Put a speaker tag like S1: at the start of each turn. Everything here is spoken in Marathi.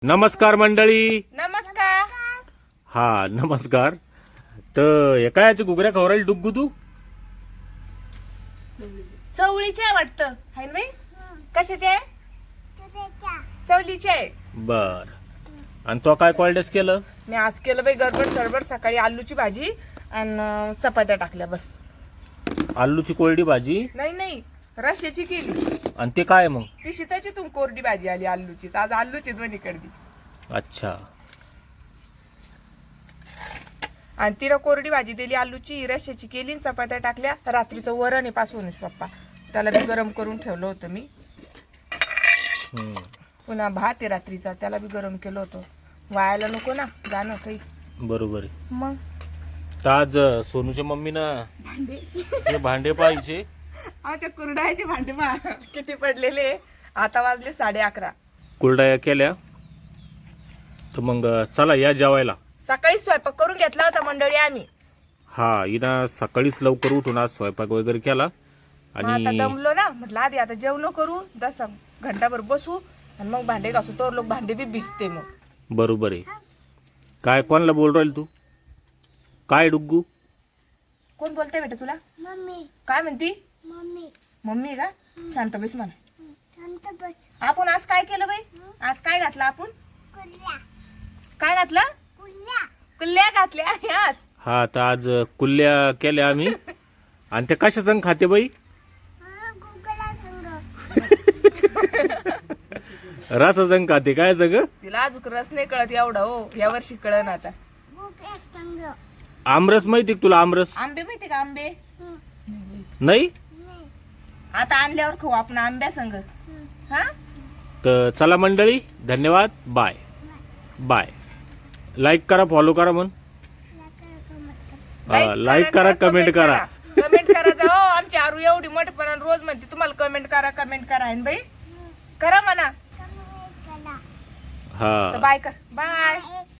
S1: नमस्कार मंडळी.
S2: नमस्कार.
S1: हा नमस्कार. तर एका याची घुगऱ्या खवरायला डुग्गू तू
S2: चवळीचे आहे वाटतं हाय ना बाई. कशाचे आहे? चवलीचे आहे.
S1: बर. आणि तो काय कॉल्डेस केलं?
S2: मी आज केलं बाई गडबड सरबड. सकाळी आलूची भाजी आणि चपात्या टाकल्या बस.
S1: आलूची कोरडी भाजी
S2: नाही रश्याची केली.
S1: आणि ते काय मग?
S2: ती शीताची तुम कोरडी भाजी आली आलूचीच. आज आलूची दोन्ही कडली.
S1: अच्छा.
S2: आणि तिला कोरडी भाजी दिली आलूची, रश्याची केली, चपात्या टाकल्या. रात्रीचं वरण आहे पासूनच पप्पा, त्याला बी गरम करून ठेवलं होतं मी. पुन्हा भात आहे रात्रीचा, त्याला बी गरम केलं होतं. वायाला नको ना जाणं काही.
S1: बरोबर आहे.
S2: मग
S1: तर आज सोनूच्या मम्मीनं हे भांडे पाहिजे.
S2: आमच्या कुरडायचे भांडे पहा किती पडलेले. आता वाजले 11:30.
S1: कुरडया केल्या. तर मग चला या जेवायला.
S2: सकाळी स्वयंपाक करून घेतला होता मंडळी आम्ही.
S1: हा हिना सकाळीच लवकर उठून आज स्वयंपाक वगैरे केला.
S2: आता
S1: आणि
S2: दमलो ना, म्हटलं आधी आता जेवण करू, 10 घंटाभर बसू आणि मग भांडे घासू. तर लोक भांडे बी भिजते मग.
S1: बरोबर आहे. काय कोणाला बोल राहील तू? काय डुग्गू?
S2: कोण बोलतंय बेटा तुला?
S3: मम्मी
S2: काय म्हणती?
S3: मम्मी
S2: मम्मी का? शांत बस म्हणा.
S3: शांत बस.
S2: आपण आज काय केलं बाई? आज काय घातलं आपण?
S3: कुल्ल्या
S2: काय घातलं?
S3: कुल्ल्या
S2: कुल्ल्या घातल्या आज.
S1: हा तर आज कुल्ल्या केल्या आम्ही. आणि ते कशा संग खाते बाई?
S3: गुगला संग
S1: रस संग खाते. काय सगळं?
S2: तिला अजून रस नाही कळत एवढा हो. या वर्षी कळन आता.
S3: गुगला संग
S1: आमरस माहिती का तुला? आमरस
S2: आंबे माहिती का? आंबे
S1: नाही.
S3: नाही.
S2: आता आणल्यावर खाऊ आपण आंब्या संग. हा
S1: तर चला मंडळी, धन्यवाद. Bye bye. लाईक करा, फॉलो करा म्हण. लाईक करा, कमेंट करा.
S2: कमेंट करा जाओ. आमची आरू एवढी मोठेपणा रोज म्हणते तुम्हाला कमेंट करा आहे ना बाई. करा म्हणा.
S3: कमेंट करा.
S1: हा
S2: बाय कर. बाय.